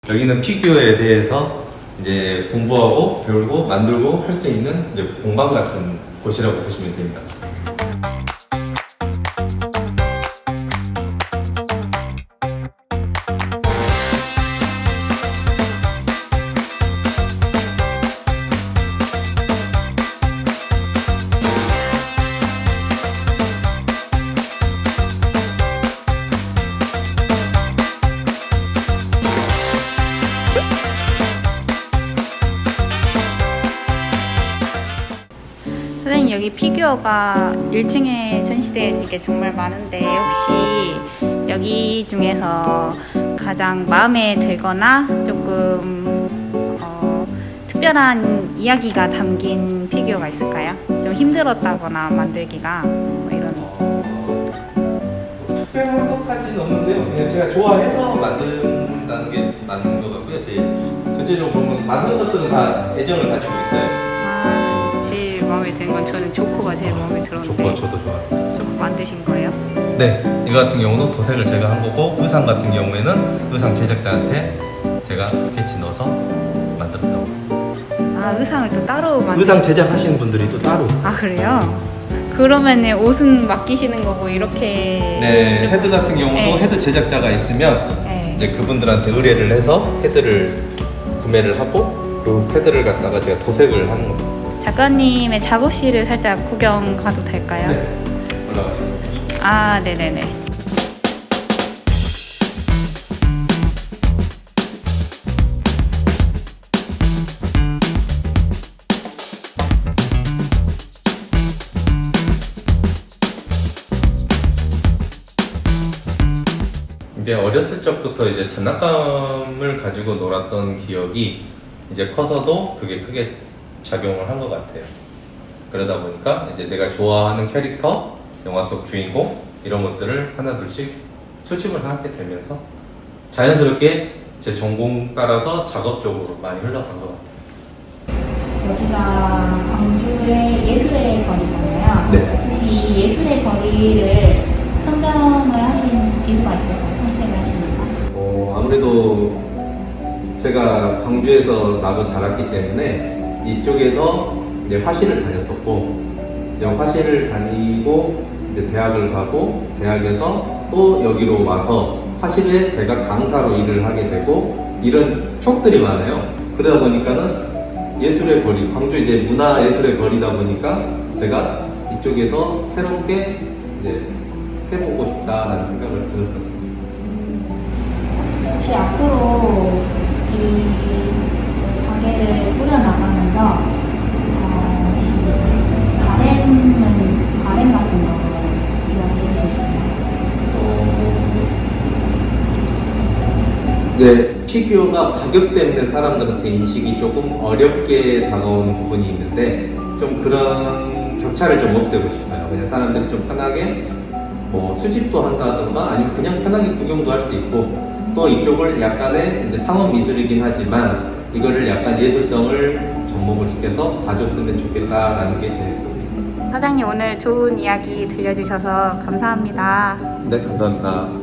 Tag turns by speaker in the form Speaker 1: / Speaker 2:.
Speaker 1: 여기는 피규어에 대해서 이제 공부하고 배우고 만들고 할 수 있는 이제 공방 같은 곳이라고 보시면 됩니다.
Speaker 2: 선생님, 여기 피규어가 1층에 전시되어 있는 게 정말 많은데 혹시 여기 중에서 가장 마음에 들거나 조금 특별한 이야기가 담긴 피규어가 있을까요? 좀 힘들었다거나 만들기가 뭐 이런.
Speaker 1: 특별한 것까지는 없는데요. 그냥 제가 좋아해서 만든다는 게 맞는 것 같고요. 전체적으로 보면 만든 것들은 다 애정을 가지고 있어요.
Speaker 2: 제일 마음에 드는 건 저는 조커가 제일 마음에 들었는데.
Speaker 1: 조커 저도 좋아해요.
Speaker 2: 조커 만드신 거예요?
Speaker 1: 네, 이거 같은 경우는 도색을 제가 한 거고, 의상 같은 경우에는 의상 제작자한테 제가 스케치 넣어서 만들었다고.
Speaker 2: 아, 의상을 또 따로
Speaker 1: 의상 제작하시는 분들이 또 따로 있어요.
Speaker 2: 아, 그래요? 그러면 옷은 맡기시는 거고 이렇게.
Speaker 1: 네,
Speaker 2: 좀-
Speaker 1: 헤드 같은 경우도
Speaker 2: 네.
Speaker 1: 헤드 제작자가 있으면
Speaker 2: 네.
Speaker 1: 이제 그분들한테 의뢰를 해서 헤드를 구매를 하고, 그 헤드를 갖다가 제가 도색을 하는 겁니다.
Speaker 2: 작가님의 작업실을 살짝 구경 가도 될까요?
Speaker 1: 네, 올라가시죠.
Speaker 2: 아, 네네네.
Speaker 1: 이제 어렸을 적부터 이제 장난감을 가지고 놀았던 기억이 이제 커서도 그게 크게 작용을 한 것 같아요. 그러다 보니까 이제 내가 좋아하는 캐릭터, 영화 속 주인공 이런 것들을 하나둘씩 수집을 하게 되면서 자연스럽게 제 전공 따라서 작업 쪽으로 많이 흘러간 것 같아요.
Speaker 3: 여기가 광주의 예술의 거리잖아요.
Speaker 1: 네.
Speaker 3: 혹시 이 예술의 거리를 선정을 하신 이유가 있을까요? 선택을 하신 이유가?
Speaker 1: 아무래도 제가 광주에서 나고 자랐기 때문에 이쪽에서 이제 화실을 다녔었고, 이제 화실을 다니고 이제 대학을 가고, 대학에서 또 여기로 와서 화실에 제가 강사로 일을 하게 되고, 이런 추억들이 많아요. 그러다 보니까는 예술의 거리, 광주 이제 문화 예술의 거리다 보니까 제가 이쪽에서 새롭게 이제 해보고 싶다라는 생각을 들었었어요.
Speaker 3: 혹시 앞으로 이 가게를 꾸려나가면서 혹시 바램 같은 거 이야기해 주시나요?
Speaker 1: 네, 피규어가 가격 때문에 사람들한테 인식이 조금 어렵게 다가오는 부분이 있는데, 좀 그런 격차를 좀 없애고 싶어요. 그냥 사람들이 좀 편하게 뭐 수집도 한다던가 아니면 그냥 편하게 구경도 할 수 있고, 또 이쪽을 약간의 이제 상업 미술이긴 하지만 이거를 약간 예술성을 접목을 시켜서 봐줬으면 좋겠다라는 게 제 꿈입니다.
Speaker 2: 사장님, 오늘 좋은 이야기 들려주셔서 감사합니다.
Speaker 1: 네, 감사합니다.